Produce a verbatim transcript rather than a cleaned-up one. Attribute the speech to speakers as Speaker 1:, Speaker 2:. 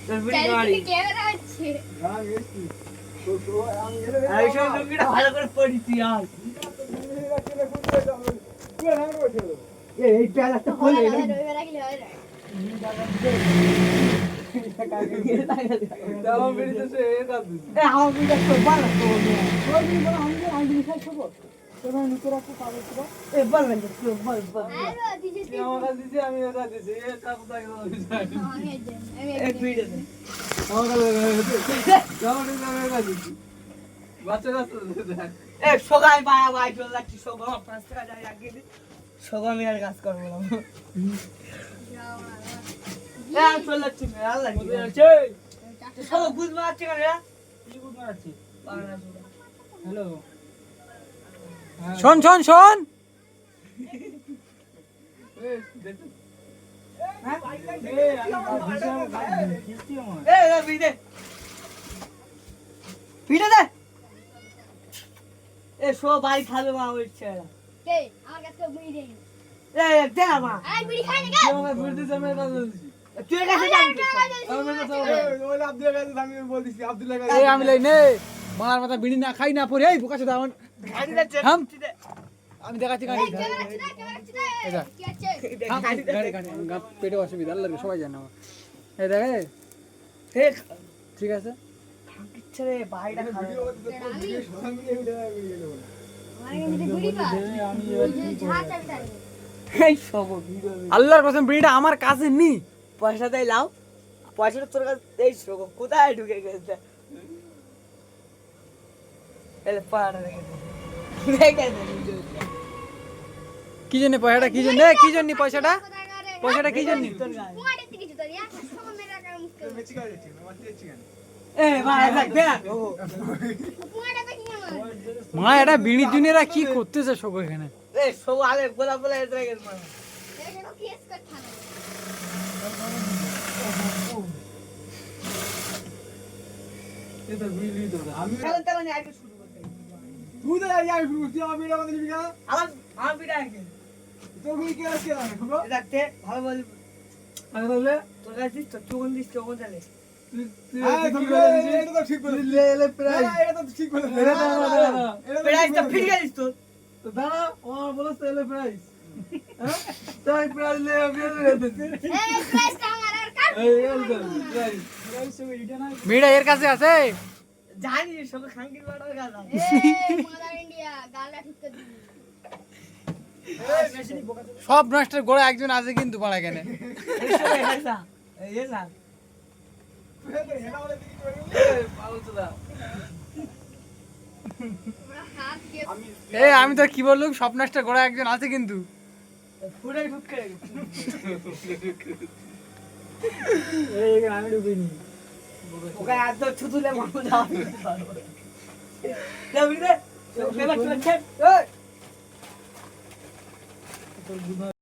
Speaker 1: তোর বিড়ি গাড়ি
Speaker 2: ক্যামেরা আছে
Speaker 3: হ্যাঁ গেছি তো তো আমি এলে
Speaker 1: এই সব লুঙ্গিটা ভালো করে পরিছি আর এই এই প্যালাটা খুলে
Speaker 2: হয় না রবিবার রাখলে হয় না
Speaker 3: দাও বেরিয়ে তো এ কাজ দিছি
Speaker 1: এ আমার বিড়িটা তো ভালো তো
Speaker 3: ওই দিন বড় আমি আমি দিন খাই খাবো তোমরা নিতে রাখো পাবে তো
Speaker 1: এ বল না তো বল বল
Speaker 2: আরে দিছে
Speaker 3: তুই আমার কাছে দিছি আমি এর কাছে দিছি এ কাজ দাও আমি যাই
Speaker 2: আমি দেন আমি
Speaker 1: এক বিড়ি দে
Speaker 3: আমার কাছে যাও নি আমি এর কাছে দিছি বাচ্চা কাছে দেখ
Speaker 1: এ সগাই বায়া বাই চল যাচ্ছি সগা পাঁচ টাকা যাই আগে দি সগা আমি আর কাজ করব না এ আমি চল যাচ্ছি আল্লাহ কি
Speaker 3: আছে
Speaker 1: সব বুঝ মারছে কেন রে
Speaker 3: কি বুঝ মারছি
Speaker 1: বাংলা সুরা
Speaker 3: হ্যালো
Speaker 4: শোন শোন শোন
Speaker 3: এ দেখ
Speaker 1: হ্যাঁ
Speaker 3: এ আমি ভিসাম কিস্তি আমার
Speaker 1: এ এ বিড়ি দে বিড়ি দে এ সব বাড়ি খাবে মা ওই ছেড়া
Speaker 2: কে আমার কাছে বিড়ি দেই
Speaker 1: এ দে না মা
Speaker 2: আই বিড়ি খাই না
Speaker 3: তুই আমাকে বলতে আমি এর কাছে দিছি
Speaker 1: তুই কাছে যাবি
Speaker 3: আমি কাছে ওই আব্দুল কাছে আমি বলতেছি আব্দুল কাছে
Speaker 4: এই আমি লাই নে মার মাথা বিড়ি না খাই না পরে এই বোকা চোদা আমার
Speaker 1: গাড়ি দে
Speaker 4: থাম।
Speaker 1: দে
Speaker 4: আমি দেখাচ্ছি গাড়ি
Speaker 2: ক্যামেরা আছে না ক্যামেরা আছে না
Speaker 4: এটা।
Speaker 2: কি আছে
Speaker 4: থাম, গাড়ি গাড়ি গা- পেটে অসুবিধা আল্লাহ রে, সবাই জানে আমার এই দেখ এই,
Speaker 1: ঠিক
Speaker 4: ঠিক আছে
Speaker 1: ইচ্ছে রে বাইটা খাবে
Speaker 2: আমার কাছে বিড়ি পা
Speaker 3: আমি
Speaker 2: ওই যে ঝাড় চাবি তাই
Speaker 1: এই সব ভিডিও
Speaker 4: আল্লাহর কসম বিড়িটা আমার কাছে নি
Speaker 1: পয়সা দেই লাও পয়সাটা তোর কাছে এই সব কোথায় ঢুকে গেছে এলে পাড়া রেখে দে রেখে দে
Speaker 4: কি জন্য পয়সাটা কি জন্য কি জন্য পয়সাটা পয়সাটা কি জন্য
Speaker 1: তোর গায়ে
Speaker 2: পুয়াড়ে থেকে জুতো দিয়া সময় মেরা কার মুশকিল
Speaker 1: এ ভাই দেখ দে না ও
Speaker 2: পুয়াড়ে দেখি আমার
Speaker 4: মা এটা বিড়ি জুনিয়রা কি করতেছে সব এখানে
Speaker 1: এ সব আগে গোলা গোলা এসে গেছে মানে
Speaker 2: এটা কেস করতে হবে
Speaker 3: এটা বিলি তো আমি
Speaker 1: তাহলে তাহলে আগে শুরু করতে
Speaker 3: তুই তো যাই আমি শুরু করছি আমি এটা আমাদের দিবি না
Speaker 1: আমার আমার বিটা আগে
Speaker 3: তোর কি কি আছে আমি খবর
Speaker 1: দেখতে ভালো বল
Speaker 3: আমি বললে
Speaker 1: তোর কাছে দিস তো চোখ দিস চোখ চালে
Speaker 3: তুই তুই এটা তো ঠিক বলে লে লে প্রাইস এটা তো ঠিক বলে এটা তো
Speaker 1: প্রাইস তো ফিরে গেছিস তো
Speaker 3: তো দাঁড়া ও বলছ তো এলে প্রাইস হ্যাঁ তাই প্রাইস লে আমি রে দিছি
Speaker 2: এই প্রাইসটা আমার আর কার
Speaker 3: এই এল প্রাইস প্রাইস সব এটা না
Speaker 4: বিড়িটা এর কাছে আছে
Speaker 1: জানি সব খাঙ্কির বাড়ার গালা
Speaker 2: এই মাদার ইন্ডিয়া গালটা ঠিক করে দিবি
Speaker 4: সব নষ্টের গোড়া একজন আছে কিন্তু পাড়া কেন
Speaker 1: এই সব এসা এই এসা
Speaker 3: পাগল তো দা
Speaker 2: আমরা হাত কে
Speaker 4: এ আমি তো কি বললাম সব নষ্টের গোড়া একজন আছে কিন্তু
Speaker 1: পুরাই ঢুকে
Speaker 3: এই আমি ঢুকিনি
Speaker 1: ওকে এত ছুতুলে মারো যাও যাবি রে পেপার চলে ছেড় ওই